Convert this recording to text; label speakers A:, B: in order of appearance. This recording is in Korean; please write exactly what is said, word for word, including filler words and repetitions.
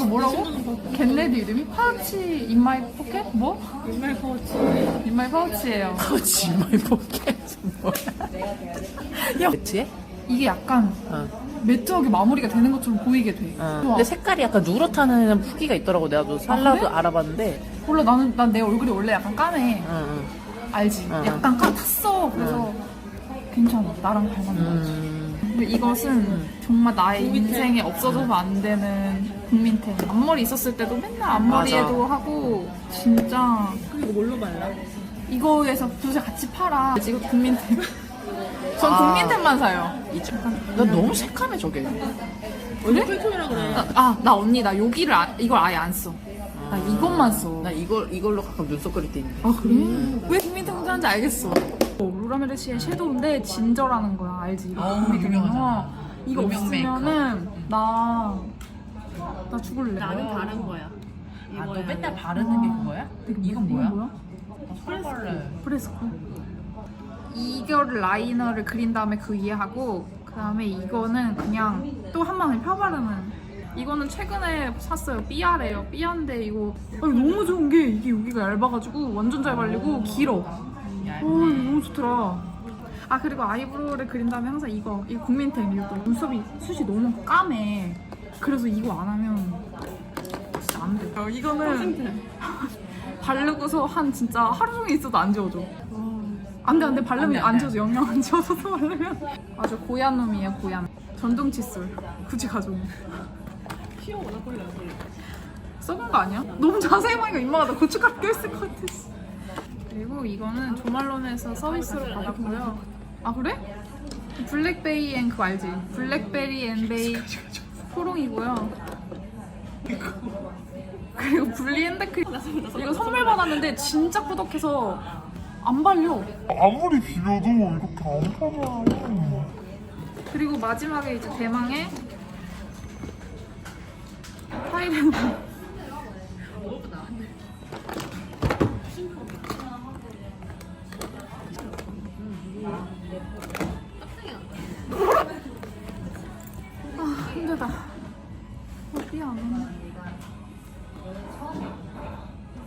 A: 이거 뭐라고? 겟레디 이름이? 파우치 인마이 포켓? 뭐?
B: 인마이 파우치.
A: 인마이 파우치예요.
C: 파우치 인마이 포켓 뭐야? 야, 매트해?
A: 이게 약간
C: 어.
A: 매트하게 마무리가 되는 것처럼 보이게 돼.
C: 어.
A: 좋아.
C: 근데 색깔이 약간 누렇다는 후기가 있더라고. 내가 또 살라도
A: 그래?
C: 알아봤는데.
A: 몰라 나는 난 내 얼굴이 원래 약간 까매.
C: 응, 응.
A: 알지?
C: 어.
A: 약간 까 탔어. 그래서 괜찮아. 나랑 잘 맞는 것 같아.
C: 음.
A: 근데 이것은 정말 나의 인생에 없어져서 안 되는 국민템. 앞머리 있었을 때도 맨날 앞머리에도
C: 맞아.
A: 하고 진짜
B: 그리고 뭘로 발라?
A: 이거에서 두세 같이 팔아. 이거 국민템. 전
C: 아.
A: 국민템만 사요.
C: 이쪽. 나 너무 새카매 저게.
B: 얼굴 톤이라 그래.
A: 아, 나 언니 나 여기를 아, 이걸 아예 안 써. 나 이것만 써.
C: 나 이걸 이걸로 가끔 눈썹 그릴 때 있는데.
A: 아 그래? 왜 국민템 사는지 알겠어. 어, 로라메르시의 섀도우인데 진저라는 거야. 알지? 이거
C: 어,
A: 국민템.
C: 유명하잖아.
A: 이거
C: 유명
A: 없으면은 나... 나 죽을래.
B: 나는 다른 거야.
C: 아, 너
B: 이거야.
C: 맨날 바르는 게 그거야? 이건 뭐야?
A: 뭐야?
C: 펄벌레.
A: 프레스코. 이거를 라이너를 그린 다음에 그 위에 하고 그 다음에 이거는 그냥 또 한 번에 펴바르는. 이거는 최근에 샀어요. 삐아래요. 삐아인데 이거 아니, 너무 좋은 게 이게 여기가 얇아가지고 완전 잘 발리고 길어. 어, 이거 너무 좋더라. 아 그리고 아이브로우를 그린 다음에 항상 이거 이거 국민템. 이거 눈썹이 숱이 너무 까매. 그래서 이거 안 하면 진짜 안 돼. 어, 이거는 바르고서 한 진짜 하루 종일 있어도 안 지워져. 안 돼, 안 돼. 바르면
C: 안 돼, 안
A: 안
C: 돼.
A: 지워져. 영영 안 지워져서 바르면. 아주 고얀 놈이에요, 고얀. 전동 칫솔. 굳이 가져온.
B: 피어 워낙 걸려.
A: 썩은 거 아니야? 너무 자세히 보니까 입마가 나 고춧가루 껴있을 것 같아. 그리고 이거는 조말론에서 서비스로 받았고요. 아, 그래? 블랙베리 앤 그거 알지? 블랙베리 앤 베이 포롱이고요. 그리고 블리 핸드크림. 이거 선물 받았는데 진짜 꾸덕해서 안 발려.
D: 아무리 비벼도 이렇게 안 팔아.
A: 그리고 마지막에 이제 대망의 파이렌. 아 힘들다.